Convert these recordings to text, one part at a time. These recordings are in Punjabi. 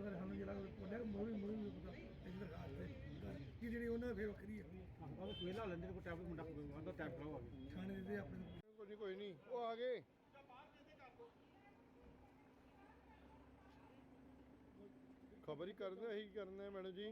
ਕੋਈ ਨਹੀਂ ਉਹ ਆ ਗਏ ਖਬਰ ਹੀ ਕਰਦੇ ਅਸੀਂ ਕਰਨਾ ਮੈਡਮ ਜੀ।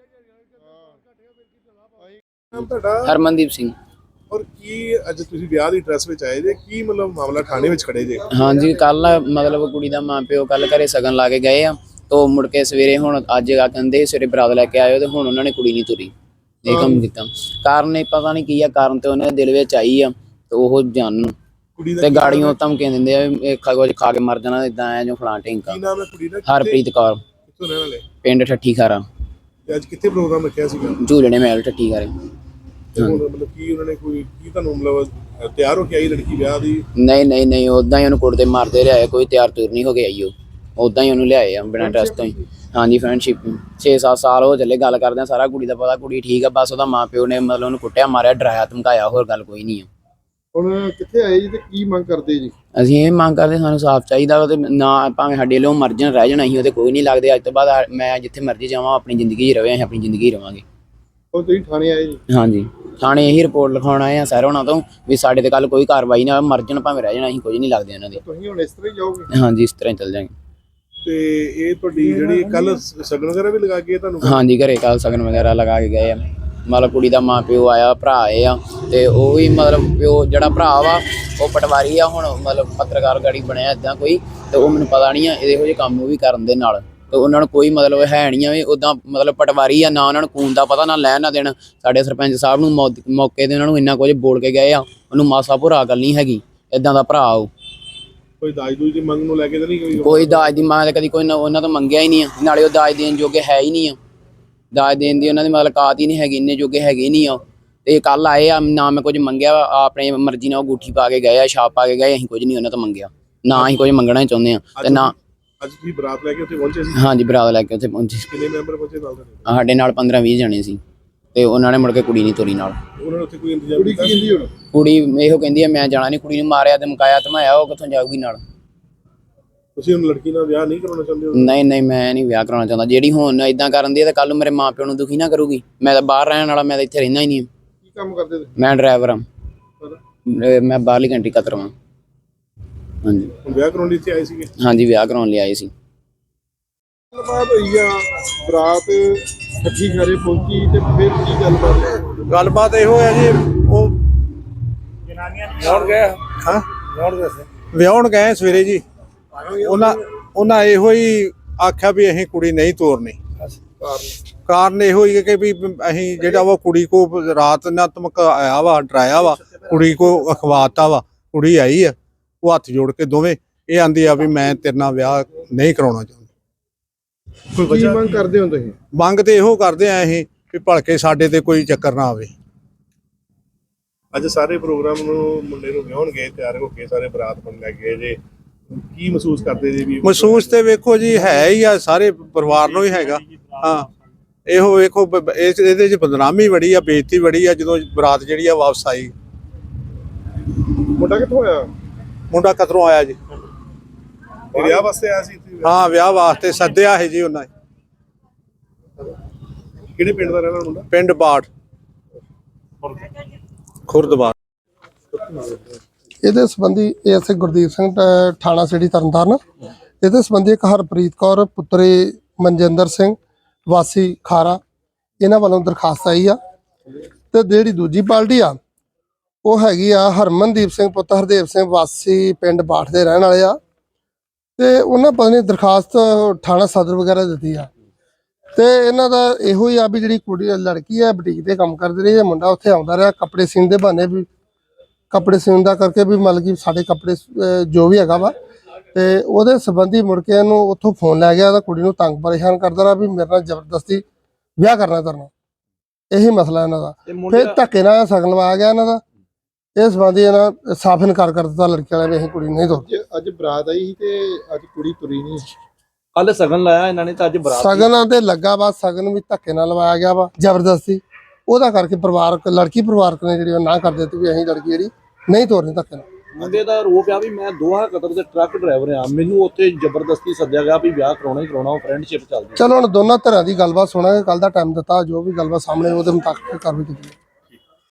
ਹਰਮਨਦੀਪ ਸਿੰਘ। ਔਰ ਕੀ ਅੱਜ ਤੁਸੀਂ ਵਿਆਹ ਦੀ ਡਰੈਸ ਵਿੱਚ ਆਏ ਜੇ, ਕੀ ਮਤਲਬ ਮਾਮਲਾ ਥਾਣੇ ਵਿੱਚ ਖੜੇ ਜੇ? ਹਾਂਜੀ ਕੱਲ ਮਤਲਬ ਕੁੜੀ ਦਾ ਮਾਂ ਪਿਓ ਕੱਲ ਘਰੇ ਸਗਨ ਲਾ ਕੇ ਗਏ ਆ, ਤੋ ਮੁੜ ਕੇ ਸਵੇਰੇ ਹੁਣ ਅੱਜ ਆ ਕਹਿੰਦੇ ਸਵੇਰੇ ਬਰਾਤ ਲੈ ਕੇ ਆਇਓ ਤੇ ਹੁਣ ਉਹਨਾਂ ਨੇ ਕੁੜੀ ਨਹੀਂ ਤੁਰੀ। ਇਹ ਕੰਮ ਕੀਤਾ ਕਾਰਨ ਇਹ ਪਤਾ ਨਹੀਂ ਕੀ ਆ, ਕਾਰਨ ਤੇ ਉਹਨਾਂ ਦੇ ਦਿਲ ਵਿੱਚ ਆਈ ਆ ਤੇ ਉਹ ਜਾਣਨ ਤੇ ਗਾੜੀਆਂ ਧਮਕੀਆਂ ਦਿੰਦੇ ਆ ਕੁਝ ਖਾ ਕੇ ਮਰ ਜਾਣਾ ਇਦਾਂ ਐ ਜੋ ਫਲਾਂ ਢਿੰਕਾ। ਕੀ ਨਾਮ ਹੈ ਕੁੜੀ ਦਾ? ਹਰਪ੍ਰੀਤ ਕੌਰ। ਕਿੱਥੋਂ ਰਹਿਣ ਵਾਲੇ? ਪਿੰਡ ਠੱਠੀ ਖਾਰਾ। ਤੇ ਅੱਜ ਕਿੱਥੇ ਪ੍ਰੋਗਰਾਮ ਰੱਖਿਆ ਸੀਗਾ? ਝੂਲਣੇ ਮਹਿਲ ਠੱਠੀ ਖਾਰੇ। ਮਤਲਬ ਕੀ ਉਹਨਾਂ ਨੇ ਕੋਈ ਕੀ ਤੁਹਾਨੂੰ ਮਤਲਬ ਤਿਆਰ ਹੋ ਕੇ ਆਈ ਲੜਕੀ ਵਿਆਹ ਦੀ? ਨਹੀਂ ਉਦਾਂ ਹੀ ਉਹਨੂੰ ਕੁੱਟਦੇ ਮਾਰਦੇ ਲਿਆਏ, ਕੋਈ ਤਿਆਰ ਤੁਰ ਨਹੀਂ ਹੋ ਕੇ ਆਈ। ਉਹ ਉਦਾਂ ਹੀ ਉਹਨੂੰ ਲਿਆਏ ਆ ਬਿਨਾਂ ਡਰੈਸ ਤੋਂ ਹੀ। ਹਾਂਜੀ ਫਰੈਂਡਸ਼ਿਪ 6-7 ਸਾਲ ਹੋ ਚੱਲੇ ਗੱਲ ਕਰਦੇ ਆ, ਸਾਰਾ ਕੁੜੀ ਦਾ ਪਤਾ, ਕੁੜੀ ਠੀਕ ਆ, ਬਸ ਉਹਦਾ ਮਾਂ ਪਿਓ ਨੇ ਮਤਲਬ ਉਹਨੂੰ ਕੁੱਟਿਆ ਮਾਰਿਆ ਡਰਾਇਆ ਧਮਕਾਇਆ, ਹੋਰ ਗੱਲ ਕੋਈ ਨਹੀਂ ਆ। ਹੁਣ ਕਿੱਥੇ ਆਏ ਜੀ ਤੇ ਕੀ ਮੰਗ ਕਰਦੇ ਜੀ? ਅਸੀਂ ਇਹ ਮੰਗ ਕਰਦੇ ਸਾਨੂੰ ਸਾਫ਼ ਚਾਹੀਦਾ ਤੇ ਨਾ ਭਾਵੇਂ ਸਾਡੇ ਲਈ ਮਰ ਜਾਣ ਰਹਿ ਜਾਣਾ, ਅਸੀਂ ਉਹਦੇ ਕੋਈ ਨਹੀਂ ਲੱਗਦੇ। ਅੱਜ ਤੋਂ ਬਾਅਦ ਮੈਂ ਜਿੱਥੇ ਮਰਜ਼ੀ ਜਾਵਾਂ ਆਪਣੀ ਜ਼ਿੰਦਗੀ 'ਚ ਰਵੇ, ਅਸੀਂ ਆਪਣੀ ਜ਼ਿੰਦਗੀ ਰਵਾਂਗੇ। ਹੁਣ ਤੁਸੀਂ ਥਾਣੇ ਆਏ ਜੀ? ਹਾਂਜੀ ਥਾਣੇ ਇਹੀ ਰਿਪੋਰਟ ਲਿਖਾਉਣ ਆਏ ਆ ਸਰ ਉਹਨਾਂ ਤੋਂ ਵੀ ਸਾਡੇ ਤੇ ਕੱਲ ਕੋਈ ਕਾਰਵਾਈ ਨਾ ਮਰ ਜਾਣ ਭਾਵੇਂ ਰਹਿ ਜਾਣਾ, ਅਸੀਂ ਕੁਝ ਨਹੀਂ ਲੱਗਦੇ ਉਹਨਾਂ ਦੇ। ਤੁਸੀਂ ਹੁਣ ਇਸ ਤਰ੍ਹਾਂ ਹੀ ਜਾਓਗੇ? ਹਾਂਜੀ ਇਸ ਤਰ੍ਹਾਂ ਹੀ ਚੱਲ ਜਾਵਾਂਗੇ। ਤੇ ਇਹ ਤੁਹਾਡੀ ਜਿਹੜੀ ਕੱਲ ਸਗਨ ਵਗੈਰਾ ਵੀ ਲਗਾ ਕੇ ਤੁਹਾਨੂੰ? ਹਾਂਜੀ ਘਰੇ ਕੱਲ ਸਗਨ ਵਗੈਰਾ ਲਗਾ ਕੇ ਗਏ ਆ। ਮਤਲਬ ਕੁੜੀ ਦਾ ਮਾਂ ਪਿਓ ਆਇਆ, ਭਰਾ ਆਏ ਆ ਤੇ ਉਹ ਵੀ ਮਤਲਬ ਪਿਓ ਜਿਹੜਾ ਭਰਾ ਵਾ ਉਹ ਪਟਵਾਰੀ ਆ, ਹੁਣ ਮਤਲਬ ਪੱਤਰਕਾਰ ਗਾੜੀ ਬਣਿਆ ਇੱਦਾਂ ਕੋਈ, ਤੇ ਉਹ ਮੈਨੂੰ ਪਤਾ ਨਹੀਂ ਆ ਇਹੋ ਜਿਹੇ ਕੰਮ ਉਹ ਵੀ ਕਰਨ ਦੇ ਨਾਲ, ਤੇ ਉਹਨਾਂ ਨੂੰ ਕੋਈ ਮਤਲਬ ਹੈ ਨਹੀਂ ਆ ਵੀ ਉੱਦਾਂ ਮਤਲਬ ਪਟਵਾਰੀ ਆ, ਨਾ ਉਹਨਾਂ ਨੂੰ ਖੂਨ ਦਾ ਪਤਾ ਨਾ ਲੈਣ ਨਾ ਦੇਣ। ਸਾਡੇ ਸਰਪੰਚ ਸਾਹਿਬ ਨੂੰ ਮੌਕੇ ਤੇ ਉਹਨਾਂ ਨੂੰ ਇੰਨਾ ਕੁਝ ਬੋਲ ਕੇ ਗਏ ਆ, ਉਹਨੂੰ ਮਾਸਾ ਭੁਰਾ ਗੱਲ ਨਹੀਂ ਹੈਗੀ, ਇੱਦਾਂ ਦਾ ਭਰਾ ਉਹ। ਕੋਈ ਦਾਜ ਦੂਜ ਦੀ ਮੰਗ ਨੂੰ ਲੈ ਕੇ ਤਾਂ ਨਹੀਂ? ਕੋਈ ਦਾਜ ਦੀ ਮੰਗ ਕਦੀ ਕੋਈ ਉਹਨਾਂ ਤੋਂ ਮੰਗਿਆ ਹੀ ਨਹੀਂ ਆ, ਨਾਲੇ ਉਹ ਦਾਜ ਦੇਣ ਜੋਗੇ ਹੈ ਹੀ ਨਹੀਂ ਆ, ਦਾਜ ਦੇਣ ਦੀ ਉਹਨਾਂ ਦੀ ਮਤਲਬ ਕਾਤ ਹੀ ਨਹੀਂ ਹੈਗੀ, ਇੰਨੇ ਜੋਗੇ ਹੈਗੇ ਹੀ ਨਹੀਂ ਆ। ਤੇ ਕੱਲ ਆਏ ਆ, ਨਾ ਮੈਂ ਕੁਝ ਮੰਗਿਆ, ਆਪਣੇ ਮਰਜ਼ੀ ਨਾਲ ਉਹ ਅੰਗੂਠੀ ਪਾ ਕੇ ਗਏ ਆ, ਛਾਪ ਪਾ ਕੇ ਗਏ, ਅਸੀਂ ਕੁਝ ਨਹੀਂ ਉਹਨਾਂ ਤੋਂ ਮੰਗਿਆ, ਨਾ ਅਸੀਂ ਕੁਝ ਮੰਗਣਾ ਚਾਹੁੰਦੇ ਆ। ਤੇ ਨਾ ਅੱਜ ਤੁਸੀਂ ਬਰਾਤ ਲੈ ਕੇ ਉੱਥੇ ਪਹੁੰਚੇ ਸੀ? ਹਾਂਜੀ ਬਰਾਤ ਲੈ ਕੇ ਉੱਥੇ ਪਹੁੰਚੇ। ਕਿੰਨੇ ਮੈਂਬਰ ਪਹੁੰਚੇ ਨਾਲ? ਸਾਡੇ ਨਾਲ 15-20 ਜਣੇ ਸੀ ਤੇ ਉਹਨਾਂ ਨੇ ਮੁੜ ਕੇ ਕੁੜੀ ਨਹੀਂ ਤੋਰੀ ਨਾਲ। ਉਹਨਾਂ ਨੇ ਉੱਥੇ ਕੋਈ ਇੰਤਜ਼ਾਮ ਕੀਤਾ? ਕੁੜੀ ਕੀ ਕਹਿੰਦੀ ਹੁਣ? ਕੁੜੀ ਇਹੋ ਕਹਿੰਦੀ ਆ ਮੈਂ ਜਾਣਾ ਨਹੀਂ, ਕੁੜੀ ਨੂੰ ਮਾਰਿਆ ਧਮਕਾਇਆ ਧਮਾਇਆ, ਉਹ ਕਿੱਥੋਂ ਜਾਊਗੀ ਨਾਲ। ਤੁਸੀਂ ਹੁਣ ਲੜਕੀ ਨਾਲ ਵਿਆਹ ਨਹੀਂ ਕਰਾਉਣਾ ਚਾਹੁੰਦੇ ਹੋ? ਨਹੀਂ ਮੈਂ ਨਹੀਂ ਵਿਆਹ ਕਰਾਉਣਾ ਚਾਹੁੰਦਾ। ਜਿਹੜੀ ਹੁਣ ਇਦਾਂ ਕਰਨ ਦੀ ਹੈ ਤਾਂ ਕੱਲ ਨੂੰ ਮੇਰੇ ਮਾਂ ਪਿਓ ਨੂੰ ਦੁਖੀ ਨਾ ਕਰੂਗੀ। ਮੈਂ ਤਾਂ ਬਾਹਰ ਰਹਿਣ ਵਾਲਾ, ਮੈਂ ਤਾਂ ਇੱਥੇ ਰਹਿੰਦਾ ਹੀ ਨਹੀਂ। ਕੀ ਕੰਮ ਕਰਦੇ ਤੁਸੀਂ? ਮੈਂ ਡਰਾਈਵਰ ਹਾਂ, ਮੈਂ ਬਾਹਰਲੀ ਕੰਟਰੀ ਕਤਰਵਾਂ। ਹਾਂਜੀ ਵਿਆਹ ਕਰਾਉਣ ਲਈ ਇੱਥੇ ਆਏ ਸੀਗੇ? ਹਾਂਜੀ ਵਿਆਹ ਕਰਾਉਣ ਲਈ ਆਏ ਸੀ। ਗੱਲਬਾਤ ਹੋਈ ਆ, ਬਰਾਤ ਠੱਠੀ ਖਾਰੇ ਪਹੁੰਚੀ ਤੇ ਫਿਰ ਕੀ ਗੱਲਬਾਤ? ਗੱਲਬਾਤ ਇਹੋ ਹੈ ਜੀ, ਉਹ ਵਿਆਹਣ ਗਏ। ਹਾਂ ਵਿਆਹਣ ਗਏ ਸਵੇਰੇ ਜੀ। ਉਹਨਾਂ ਇਹੋ ਹੀ ਆਖਿਆ ਵੀ ਅਸੀਂ ਕੁੜੀ ਨਹੀਂ ਤੋਰਨੀ। ਕਾਰਨ ਇਹੋ ਹੀ ਕਿ ਵੀ ਅਸੀਂ ਜਿਹੜਾ ਵਾ ਕੁੜੀ ਕੋ ਰਾਤ ਨਾ ਧਮਕਾਇਆ ਵਾ, ਡਰਾਇਆ ਵਾ, ਕੁੜੀ ਕੋ ਅਖਵਾਤਾ ਵਾ। ਕੁੜੀ ਆਈ ਆ, ਉਹ ਹੱਥ ਜੋੜ ਕੇ ਦੋਵੇਂ ਇਹ ਆਂਦੀ ਆ ਵੀ ਮੈਂ ਤੇਰੇ ਨਾਲ ਵਿਆਹ ਨਹੀਂ ਕਰਾਉਣਾ ਚਾਹੁੰਦੀ। ਕੀ ਮੰਗ ਕਰਦੇ ਹੋ ਤੁਸੀਂ? ਮੰਗ ਤੇ ਇਹੋ ਕਰਦੇ ਆ ਅਸੀਂ ਵੀ ਭਲਕੇ ਸਾਡੇ ਤੇ ਕੋਈ ਚੱਕਰ ਨਾ ਆਵੇ। ਅੱਜ ਸਾਰੇ ਪ੍ਰੋਗਰਾਮ ਨੂੰ ਮੁੰਡੇ ਨੂੰ ਵਿਆਹਣ ਗਏ, ਤਿਆਰ ਹੋ ਕੇ ਸਾਰੇ ਬਰਾਤ ਬਣ ਲੈ ਗਏ ਜੇ, ਕੀ ਮਹਿਸੂਸ ਕਰਦੇ ਜੀ? ਵੀ ਮਹਿਸੂਸ ਤੇ ਵੇਖੋ ਜੀ ਹੈ ਹੀ ਆ, ਸਾਰੇ ਪਰਿਵਾਰ ਨੂੰ ਹੀ ਹੈਗਾ। ਹਾਂ ਇਹੋ ਵੇਖੋ ਇਹਦੇ 'ਚ ਬਦਨਾਮੀ ਬੜੀ ਆ, ਬੇਇੱਜ਼ਤੀ ਬੜੀ ਆ ਜਦੋਂ ਬਰਾਤ ਜਿਹੜੀ ਆ ਵਾਪਸ ਆਈ। ਮੁੰਡਾ ਕਿੱਥੋਂ ਆਇਆ? ਮੁੰਡਾ ਕਤਰੋਂ ਆਇਆ ਜੀ। ਵਿਆਹ ਵਾਸਤੇ ਆਇਆ ਸੀ? ਹਾਂ ਵਿਆਹ ਵਾਸਤੇ ਸੱਦਿਆ ਹੈ ਜੀ ਉਹਨਾਂ ਨੇ। ਕਿਹੜੇ ਪਿੰਡ ਦਾ ਰਹਿਣਾ ਮੁੰਡਾ? ਪਿੰਡ ਬਾੜ, ਖੁਰਦਬਾੜ। ਇਹਦੇ ਸੰਬੰਧੀ ਐਸਏ ਗੁਰਦੀਪ ਸਿੰਘ ਥਾਣਾ ਸਿਟੀ ਤਰਨਤਾਰਨ, ਇਹਦੇ ਸੰਬੰਧੀ ਇੱਕ ਹਰਪ੍ਰੀਤ ਕੌਰ ਪੁੱਤਰੀ ਮਨਜਿੰਦਰ ਸਿੰਘ ਵਾਸੀ ਖਾਰਾ, ਇਹਨਾਂ ਵੱਲੋਂ ਦਰਖਾਸਤ ਆਈ ਆ। ਤੇ ਜਿਹੜੀ ਦੂਜੀ ਪਾਰਟੀ ਆ ਉਹ ਹੈਗੀ ਆ ਹਰਮਨਦੀਪ ਸਿੰਘ ਪੁੱਤਰ ਹਰਦੇਵ ਸਿੰਘ ਵਾਸੀ ਪਿੰਡ ਬਾਠ ਦੇ ਰਹਿਣ ਵਾਲੇ ਆ। ਤੇ ਉਹਨਾਂ ਪਤਾ ਨਹੀਂ ਦਰਖਾਸਤ ਥਾਣਾ ਸਦਰ ਵਗੈਰਾ ਦਿੱਤੀ ਆ। ਤੇ ਇਹਨਾਂ ਦਾ ਇਹੋ ਹੀ ਆ ਵੀ ਜਿਹੜੀ ਕੁੜੀ ਲੜਕੀ ਆ ਬੁਟੀਕ ਤੇ ਕੰਮ ਕਰਦੀ ਰਹੀ ਹੈ, ਮੁੰਡਾ ਉੱਥੇ ਆਉਂਦਾ ਰਿਹਾ ਕੱਪੜੇ ਸੀਨ ਦੇ ਬਹਾਨੇ, ਵੀ ਕੱਪੜੇ ਸੀਨ ਦਾ ਕਰਕੇ ਵੀ ਮਤਲਬ ਕਿ ਸਾਡੇ ਕੱਪੜੇ ਜੋ ਵੀ ਹੈਗਾ ਵਾ। ਤੇ ਉਹਦੇ ਸੰਬੰਧੀ ਮੁੜ ਕੇ ਇਹਨੂੰ ਉੱਥੋਂ ਫੋਨ ਲੈ ਗਿਆ, ਤਾਂ ਕੁੜੀ ਨੂੰ ਤੰਗ ਪਰੇਸ਼ਾਨ ਕਰਦਾ ਰਿਹਾ ਵੀ ਮੇਰੇ ਨਾਲ ਜ਼ਬਰਦਸਤੀ ਵਿਆਹ ਕਰਨਾ ਕਰਨਾ, ਇਹੀ ਮਸਲਾ ਇਹਨਾਂ ਦਾ। ਫਿਰ ਧੱਕੇ ਨਾਲ ਸਗਨ ਲਵਾਇਆ ਗਿਆ ਇਹਨਾਂ ਦਾ। ਇਸ ਸੰਬੰਧੀ ਇਹਨਾਂ ਸਾਫ਼ ਇਨਕਾਰ ਕਰ ਦਿੱਤਾ ਲੜਕੀ ਵਾਲਿਆਂ ਨੇ, ਅਸੀਂ ਕੁੜੀ ਨਹੀਂ ਤੋਰਦੇ। ਅੱਜ ਬਰਾਤ ਆਈ ਸੀ ਤੇ ਅੱਜ ਕੁੜੀ ਤੁਰੀ ਨਹੀਂ। ਕੱਲ ਸਗਨ ਲਾਇਆ ਇਹਨਾਂ ਨੇ, ਤਾਂ ਅੱਜ ਬਰਾਤ ਸਗਨਾਂ ਤੇ ਲੱਗਾ ਵਾ, ਸਗਨ ਵੀ ਧੱਕੇ ਨਾਲ ਲਵਾਇਆ ਗਿਆ ਵਾ ਜ਼ਬਰਦਸਤੀ। ਉਹਦਾ ਕਰਕੇ ਪਰਿਵਾਰਕ ਲੜਕੀ ਪਰਿਵਾਰਕ ਨੇ ਜਿਹੜੀ ਉਹ ਨਾ ਕਰ ਦਿੱਤੀ ਵੀ ਅਸੀਂ ਲੜਕੀ ਜਿਹੜੀ ਨਹੀਂ ਤੋਰਨੀ ਧੱਕੇ ਨਾਲ। ਮੁੰਡੇ ਦਾ ਆਰੋਪ ਆ ਵੀ ਮੈਂ ਦੋਹਾ ਕਤਰ ਦੇ ਟਰੱਕ ਡਰਾਈਵਰ ਆ, ਮੈਨੂੰ ਉੱਥੇ ਜ਼ਬਰਦਸਤੀ ਸੱਦਿਆ ਗਿਆ ਵੀ ਵਿਆਹ ਕਰਾਉਣਾ ਹੀ ਕਰਾਉਣਾ, ਉਹ ਫਰੈਂਡਸ਼ਿਪ ਚੱਲਦੀ। ਚਲੋ ਹੁਣ ਦੋਨਾਂ ਧਿਰਾਂ ਦੀ ਗੱਲਬਾਤ ਸੁਣਾਂਗੇ, ਕੱਲ ਦਾ ਟਾਈਮ ਦਿੱਤਾ, ਜੋ ਵੀ ਗੱਲਬਾਤ ਸਾਹਮਣੇ ਉਹਦੇ ਮੁਤਾਬਕ ਕਾਰਵਾਈ ਕੀਤੀ ਜਾਊ।